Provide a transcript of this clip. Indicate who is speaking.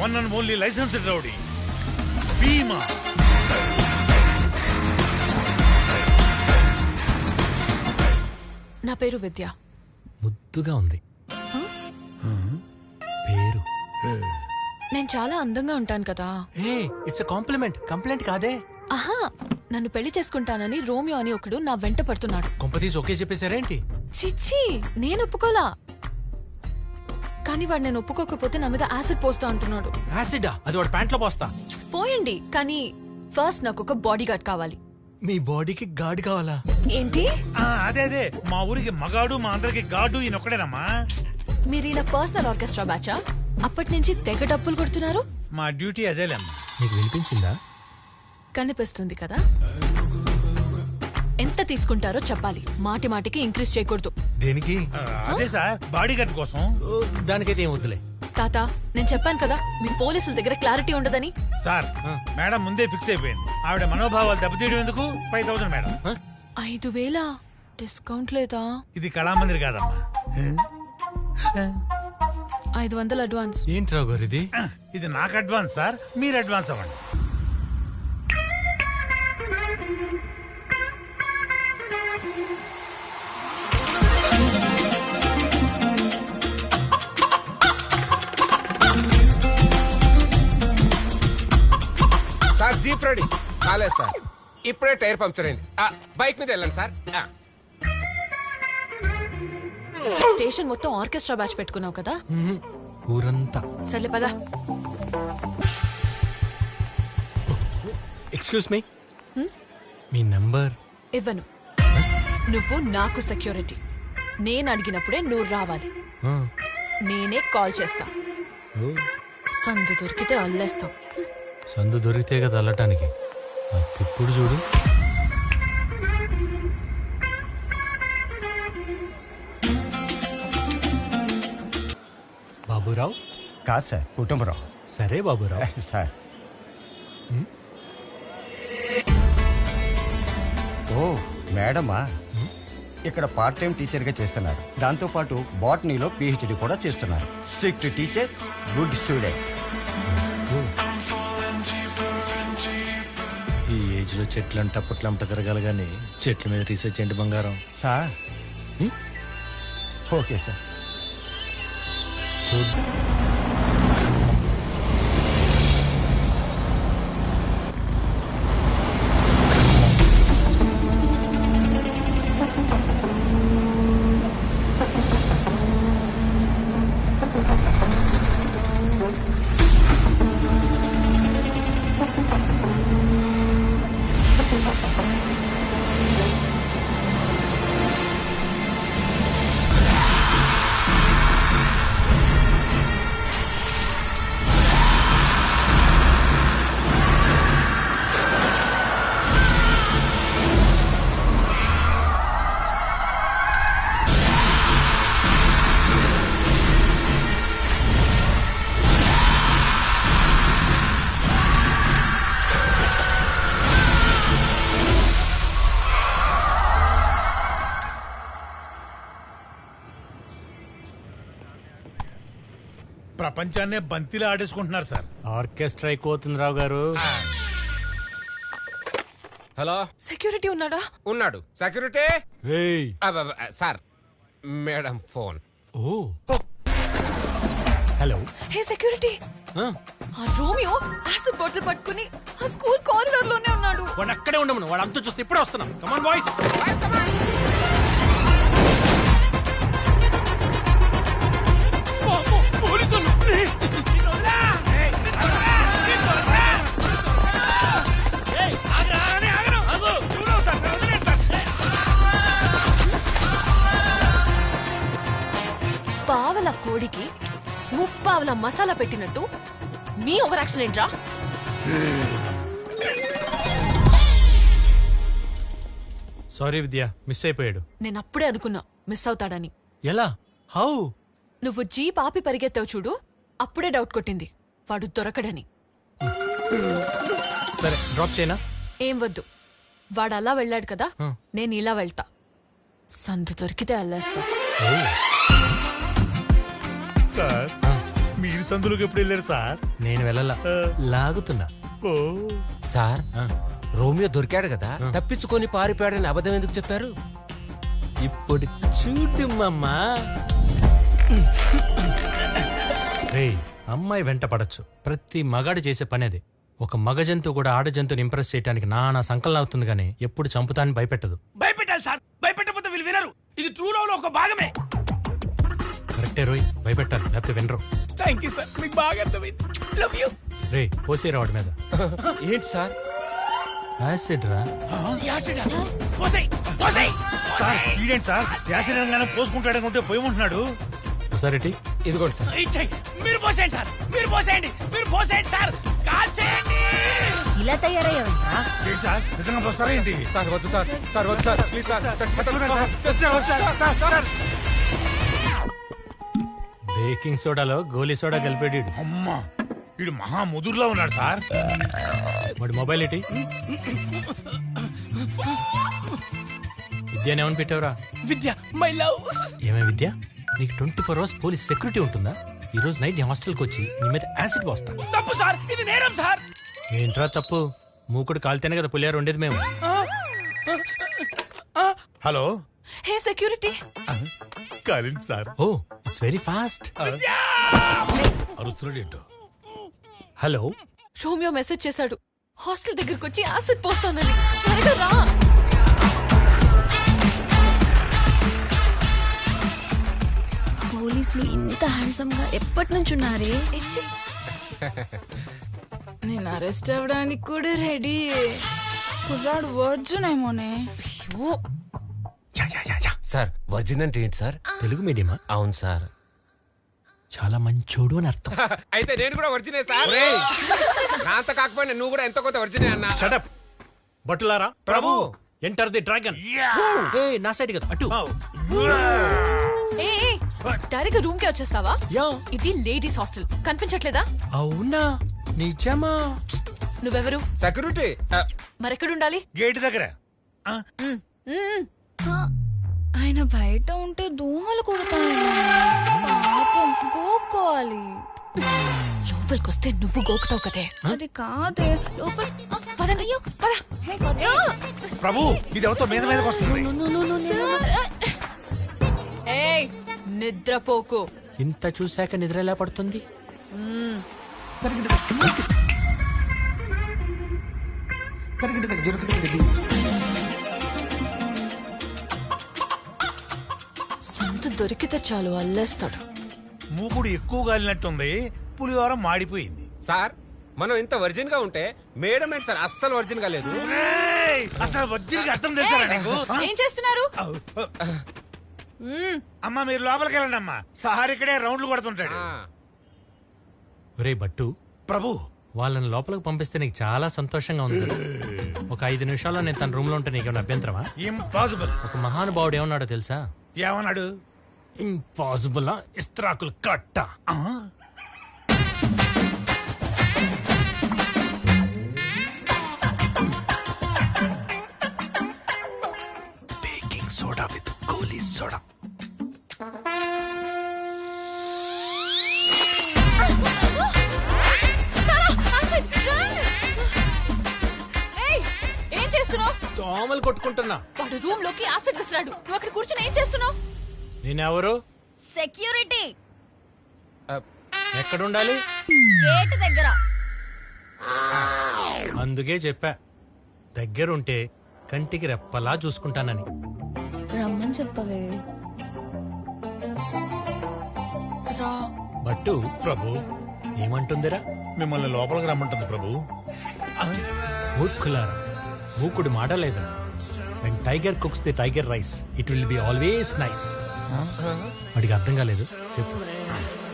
Speaker 1: One and only licensed rowdy Bheema.
Speaker 2: నా పేరు విద్య.
Speaker 3: ముద్దుగా ఉంది పేరు.
Speaker 2: నేను చాలా అందంగా ఉంటాను కదా.
Speaker 3: ఏ ఇట్స్ కాంప్లిమెంట్, కంప్లైంట్ కాదే.
Speaker 2: ఆహా, నన్ను పెళ్లి చేసుకుంటానని రోమియో అని ఒకడు నా వెంట పడుతున్నాడు.
Speaker 3: కొంపతీసి ఓకే చెప్పేశారేంటి?
Speaker 2: చిచ్చి, నేను ఒప్పుకోలా. కానీ వాడు నేను ఒప్పుకోకపోతే నా మీద యాసిడ్ పోస్తా అంటున్నాడు.
Speaker 3: యాసిడా? అది వాడు ప్యాంట్లో పోస్తా.
Speaker 2: పోయండి, కానీ ఫస్ట్ నాకు ఒక బాడీ గార్డ్ కావాలి.
Speaker 3: మీ బాడీకి గార్డ్ కావాలా?
Speaker 2: ఏంటి?
Speaker 1: అదే అదే, మా ఊరికి మగాడు, మా అందరికి గాడు ఈయనొక్కడేనమ్మా.
Speaker 2: మీరు ఇలా పర్సనల్ ఆర్కెస్ట్రా బ్యాచా? అప్పటి నుంచి తెగ డప్పులు కొడుతున్నారు.
Speaker 1: మా డ్యూటీ అదేలేమ్మా.
Speaker 3: నీకు వినిపించిందా?
Speaker 2: కనిపిస్తుంది కదా. ఎంత తీసుకుంటారో చెప్పాలి, మాటి మాటికి ఇంక్రీజ్ చేయకూడదు.
Speaker 3: దేనికి?
Speaker 1: అదే సార్, బాడీ గార్డ్ కోసం.
Speaker 3: దానికైతే ఏం వద్దులే.
Speaker 2: తాత, నేను చెప్పాను కదా మీ పోలీసుల దగ్గర క్లారిటీ ఉండదని.
Speaker 1: సార్, మేడం ముందే ఫిక్స్ అయిపోయింది. ఆవిడ మనోభావాలు దెబ్బతీయడం ఎందుకు? 5000 మేడం.
Speaker 2: 5000 డిస్కౌంట్ లేదా?
Speaker 1: ఇది కళామందిర్ కాదమ్మా.
Speaker 2: 500 అడ్వాన్స్.
Speaker 3: ఏంటి రావు గారు ఇది?
Speaker 1: ఇది నాకు అడ్వాన్స్ సార్, మీరు అడ్వాన్స్ అవ్వండి.
Speaker 4: సార్ జీప్ రెడీ కాలేదు సార్, ఇప్పుడే టైర్ పంక్చర్ అయింది. బైక్ మీద వెళ్ళండి సార్.
Speaker 2: స్టేషన్ మొత్తం ఆర్కెస్ట్రా బ్యాచ్ పెట్టుకున్నావు కదా.
Speaker 3: ఊరంతా.
Speaker 2: సర్లే పదా.
Speaker 3: ఎక్స్క్యూజ్ మీ, మీ నంబర్
Speaker 2: ఇవ్వను. నువ్వు నాకు సెక్యూరిటీ. నేను అడిగినప్పుడే నువ్వు రావాలి. నేనే కాల్ చేస్తా. సందు దొరికితే అల్లేస్తాం.
Speaker 3: సందు దొరికితే కదా అల్లటానికి. ఇప్పుడు చూడు. బాబురావు
Speaker 5: కాదు సార్, కుటుంబరావు.
Speaker 3: సరే బాబురావు.
Speaker 5: సార్. ఓ మేడమా, ఇక్కడ పార్ట్ టైం టీచర్గా చేస్తున్నారు. దాంతోపాటు బాటనీలో పిహెచ్డి కూడా చేస్తున్నారు. Strict teacher, good student.
Speaker 3: ఈ ఏజ్ లో చెట్లంట పుట్లంట తిరగాలి కానీ చెట్ల మీద రీసెర్చ్ ఏంటి బంగారం?
Speaker 5: Sir okay sir.
Speaker 3: చూద్దాం.
Speaker 1: ప్రపంచాన్నే బంతిలా ఆడేసుకుంటున్నారు సార్.
Speaker 3: ఆర్కెస్ట్రా ఎక్కువవుతుంది రావు గారు.
Speaker 4: హలో,
Speaker 2: సెక్యూరిటీ ఉన్నాడా?
Speaker 4: ఉన్నాడు. సెక్యూరిటీ
Speaker 3: ఏయ్.
Speaker 4: Sir, madam phone.
Speaker 3: Oh hello.
Speaker 2: Hey security, ఆ రోమియో యాసిడ్ బాటిల్ పట్టుకుని ఆ స్కూల్ కారిడార్ లోనే ఉన్నాడు.
Speaker 3: వాడు అక్కడే ఉండమను. వాడు అంతా చూస్తే ఇప్పుడే వస్తున్నాం. Come on boys.
Speaker 2: పావల కోడికి ముప్పావల మసాలా పెట్టినట్టు మీ ఓవర్ యాక్షన్ ఏంట్రా?
Speaker 3: సారీ విద్య, మిస్ అయిపోయాడు.
Speaker 2: నేను అప్పుడే అనుకున్నా మిస్ అవుతాడని.
Speaker 3: ఎలా? హౌ?
Speaker 2: నువ్వు జీప్ ఆపి పరిగెత్తావు చూడు, అప్పుడే డౌట్ కొట్టింది వాడు దొరకడని.
Speaker 3: సరే డ్రాప్ చేయనా?
Speaker 2: ఏం వద్దు, వాడు అలా వెళ్ళాడు కదా, నేను ఇలా వెళ్తా. సందు దొరికితే అల్లేస్తా.
Speaker 1: సార్, మీరు సందులోకి ఎప్పుడు వెళ్ళారు సార్?
Speaker 3: నేను వెళ్ళలా, లాగుతున్నా.
Speaker 1: ఓ
Speaker 4: సార్
Speaker 3: ఆ,
Speaker 4: రోమియో దొరికాడు కదా, తప్పించుకొని పారిపోయాడని అబద్ధం ఎందుకు చెప్పారు?
Speaker 3: ఇప్పుడు చూడు మామా. రే, అమ్మాయి వెంట పడచ్చు, ప్రతి మగాడు చేసే పని అది. ఒక మగ జంతువు కూడా ఆడ జంతువుని ఇంప్రెస్ చేయడానికి నానా సంకలనం అవుతుంది కానీ ఎప్పుడు చంపుతాన్ని భయపెట్టదు.
Speaker 6: భయపెట్టాలి సార్, భయపెట్టకపోతే వీళ్ళు వినరు. ఇది ట్రూ లవ్ లో ఒక భాగమే.
Speaker 3: కరెక్టే రోయ్, భయపెట్టాలి లేకపోతే వినరు.
Speaker 6: థ్యాంక్ యూ సార్, మీకు బాగా అర్థమైంది. Love you.
Speaker 3: రే, పోసేరా వాడి మీద.
Speaker 4: ఏంటి సార్?
Speaker 3: యాసిడ్ రా.
Speaker 6: యాసిడా? పోసేయ్, పోసేయ్.
Speaker 1: సార్ ఈడేంటి సార్ యాసిడ్ పోసుకుంటాడనుకుంటే పోయమంటున్నాడు.
Speaker 3: ఒకసారి
Speaker 4: ఇదిగోండి సార్.
Speaker 6: ఇచ్చేయ్. మీరు పోసేయండి సార్, మీరు పోసేయండి, మీరు పోసేయండి సార్. కాల్చేయండి.
Speaker 7: ఇలా తయారయ్యావంటా?
Speaker 1: ఏంటి సార్ నిజంగా పోస్తారా ఏంటి?
Speaker 4: సార్ వద్దు సార్, సార్ వద్దు సార్, ప్లీజ్ సార్.
Speaker 3: బేకింగ్ సోడాలో గోలీ సోడా కలిపేడు.
Speaker 1: అమ్మా వీడు మహా ముదురులో ఉన్నాడు సార్.
Speaker 3: వాడి మొబైల్ ఏంటి? విద్య ఏమని పెట్టావురా?
Speaker 6: విద్య, మై లవ్.
Speaker 3: ఏమే విద్య, నీకు 24 hours పోలీస్ సెక్యూరిటీ ఉంటుందా? ఈ రోజు నైట్ నీ హాస్టల్కి వచ్చి నీ మీద యాసిడ్ పోస్తా.
Speaker 6: తప్పు సార్, ఇది నేరం సార్.
Speaker 3: ఏంట్రా తప్పు? మూకుడు కాలితేనే కదా పులియారు ఉండేది మేము.
Speaker 1: హలో
Speaker 2: హే సెక్యూరిటీ,
Speaker 1: కాలింది sir.
Speaker 3: Oh, it's very fast.
Speaker 1: అరుస్తున్నాడు ఏంటో.
Speaker 3: హలో,
Speaker 2: రోమియో మెసేజ్ చేశాడు, హాస్టల్ దగ్గరకు వచ్చి యాసిడ్ పోస్తానని. త్వరగా రా.
Speaker 7: పోలీసులు ఇంత హ్యాండ్సమ్ గా ఎప్పటి నుంచి ఉన్నారే?
Speaker 2: ఇచ్చి.
Speaker 8: నేను అరెస్ట్ అవ్వడానికి కూడా రెడీ. కుర్రాడు వర్జున్ ఏమోనే.
Speaker 2: అయ్యో,
Speaker 4: సార్ వర్జిన్ అంటే ఏంటి సార్?
Speaker 3: తెలుగు మీడియమా?
Speaker 4: అవును సార్.
Speaker 3: చాలా మంచోడు అని అర్థం.
Speaker 4: అయితే నేను కూడా వర్జినే సార్. నా అంత కాకపోయినా నువ్వు కూడా ఎంతో కొంత వర్జినే అన్నా.
Speaker 3: షటప్ బట్టులారా.
Speaker 4: Prabhu
Speaker 3: enter the dragon. ఏ నా సైడ్ కదా, అటు.
Speaker 2: ఏ డైరెక్ట్ రూమ్ కే వచ్చేస్తావా?
Speaker 3: యా.
Speaker 2: ఇది లేడీస్ హాస్టల్, కనిపించట్లేదా?
Speaker 3: అవునా, నిజమా?
Speaker 2: నువ్వెవరు?
Speaker 4: సెక్యూరిటీ.
Speaker 2: మరెక్కడుండాలి?
Speaker 1: గేట్ దగ్గర.
Speaker 2: మ్, మ్.
Speaker 8: ఆయన బయట ఉంటే దోమలు కుడతాయి. పాపం గోక్కోవాలి.
Speaker 2: లోపలికొస్తే నువ్వు గోకుతావు కదే.
Speaker 8: అది కాదే లోపల.
Speaker 2: పదండి, పద.
Speaker 1: ప్రభు ఇది ఎవరితో మీద మీదకి వస్తుంది.
Speaker 2: ఏయ్, నిద్రపోకు.
Speaker 3: ఇంత చూశాక నిద్ర ఎలా పడుతుంది?
Speaker 2: సంత దొరికితే చాలు అల్లేస్తాడు.
Speaker 1: మూకుడు ఎక్కువ గాలినట్టుంది, పులిహోర మాడిపోయింది.
Speaker 4: సార్ మనం ఇంత వర్జిన్ గా ఉంటే మేడం ఏంటి సార్ అస్సలు వర్జిన్ గా లేదు.
Speaker 1: ఏయ్, అసలు వజ్జీకి అర్థం చేస్తారా నీకు?
Speaker 2: ఏం చేస్తున్నారు?
Speaker 1: అమ్మా మీరు లోపలికి వెళ్ళండి అమ్మా, సార్ ఇక్కడే రౌండ్లు కొడుతుంటాడు.
Speaker 3: ఒరే బట్టు,
Speaker 1: ప్రభు
Speaker 3: వాళ్ళని లోపలికి పంపిస్తే నీకు చాలా సంతోషంగా ఉంది కదా? ఒక 5 నిమిషాల్లో నేను తన రూమ్ లో ఉంటే నీకేమైనా అభ్యంతరమా?
Speaker 1: ఇంపాసిబుల్.
Speaker 3: ఒక మహానుభావుడు ఏమన్నాడో తెలుసా?
Speaker 1: ఏమన్నాడు?
Speaker 3: ఇంపాసిబుల్ ఇస్త్రాకులు కట్ట. బేకింగ్ సోడా విత్ గోలీ సోడా.
Speaker 2: ఏయ్, ఏం చేస్తున్నావు?
Speaker 3: దోమలు కొట్టుకుంటున్నా.
Speaker 2: వాడు రూమ్ లోకి యాసిడ్ విసిరాడు, నువ్వు అక్కడ కూర్చొని ఏం చేస్తున్నావు?
Speaker 3: నేనెవరు?
Speaker 7: సెక్యూరిటీ.
Speaker 3: ఎక్కడుండాలి?
Speaker 7: గేట్ దగ్గర.
Speaker 3: అందుకే చెప్పా, దగ్గరుంటే కంటికి రెప్పలా చూసుకుంటానని.
Speaker 8: రమ్మని చెప్పవే.
Speaker 2: రా.
Speaker 3: బట్టు
Speaker 1: ప్రభు
Speaker 3: ఏమంటుందిరా?
Speaker 1: మిమ్మల్ని లోపలికి రమ్మంటుంది ప్రభు.
Speaker 3: మూర్ఖులారా, మూకుడు మాట లేదా? When tiger cooks the tiger rice, it will be always nice. వాడికి అర్థం కాలేదు, చెప్పు.